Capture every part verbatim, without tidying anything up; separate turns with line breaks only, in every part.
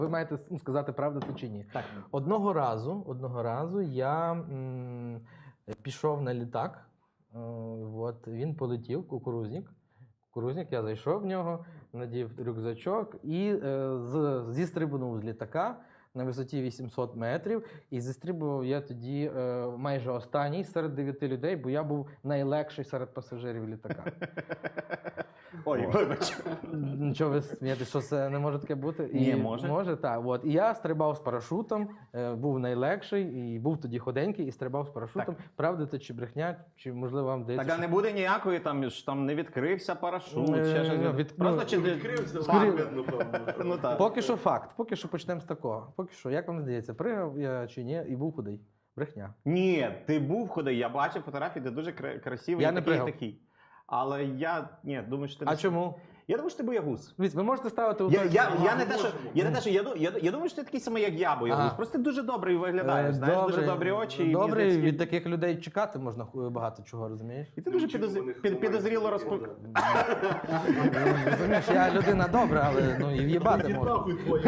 Ви маєте ну, сказати, правда це чи ні.
Так.
Одного разу, одного разу я м, пішов на літак, е, от, він полетів, кукурузник. Кукурузник, я зайшов в нього, надів рюкзачок і е, з, зістрибнув з літака на висоті вісімсот метрів. І зістрибував я тоді е, майже останній серед дев'яти людей, бо я був найлегший серед пасажирів літака.
Ой, вибач.
Нічого ви смієте, що це не може таке бути?
Ні,
І
може.
Може, так. От. І я стрибав з парашутом, е, був найлегший, і був тоді ходенький, і стрибав з парашутом.
Так.
Правда це чи брехня, чи можливо вам здається,
Так, а не буде ніякої, там, ж там не відкрився парашут,
Е,
ще щось.
від-
Просто
ну,
чи ти...
Відкрився,
Скорі-
видно, певно.
Ну, так.
Поки що факт, поки що почнемо з такого. Поки що, як вам здається, пригав я чи ні, і був худий? Брехня.
Ні, ти був ходий, я бачив фотографії, де дуже кра- красивий
Я
і
не
такий, і
пригав.
такий. Але я, ні, думаю, що ти
А
не...
чому?
Я думаю, що ти боягуз.
Дивіться, ви можете ставити у
Я,
той-
я, я,
Ага,
не те, що,
можемо.
я не те, що я, ду- я, я думаю, що ти такий самий, як я, боягуз.
Ага.
Просто ти дуже добрий виглядаєш,
Е,
знаєш, дуже
добре.
добрі очі. і мені
Добре,
здається,
від таких людей чекати можна ху- багато чого, розумієш?
І ти дуже
Нічого
підозрі...
в них
під,
немає.
підозріло розпо...
Розумієш, я людина добра, але ну, і в'їбати
Ідіть
можна.
нахуй твої.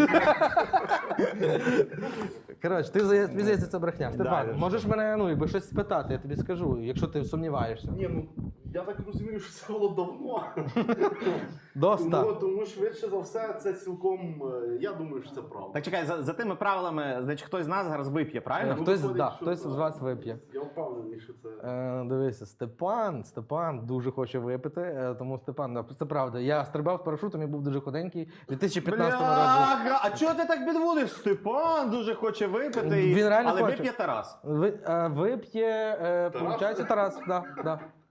Коротше, ти здається, тобі здається, це брехня. Степан,
да,
можеш мене ну, якби щось спитати, я тобі скажу, якщо ти сумніваєшся.
Ні, ну я так розумію, що це було давно.
Доста.
Тому, тому швидше за все, це цілком. е, Я думаю, що це правда.
Так чекай, за, за тими правилами, значить, хтось з нас зараз вип'є, правильно?
Хтось,
виходить,
да,
що
хтось
так.
з вас вип'є.
Я впевнений, що це.
Е, дивися, Степан, Степан дуже хоче випити, е, тому Степан, да, це правда. Я стрибав з парашутом і був дуже худенький. У дві тисячі п'ятнадцятому році.
Бляха, а чого ти так підводиш? Степан дуже хоче випити, і...
Він реально
але
хоче.
вип'є Тарас.
Ви, е, вип'є, е,
Тарас?
виходить, Тарас, да, да.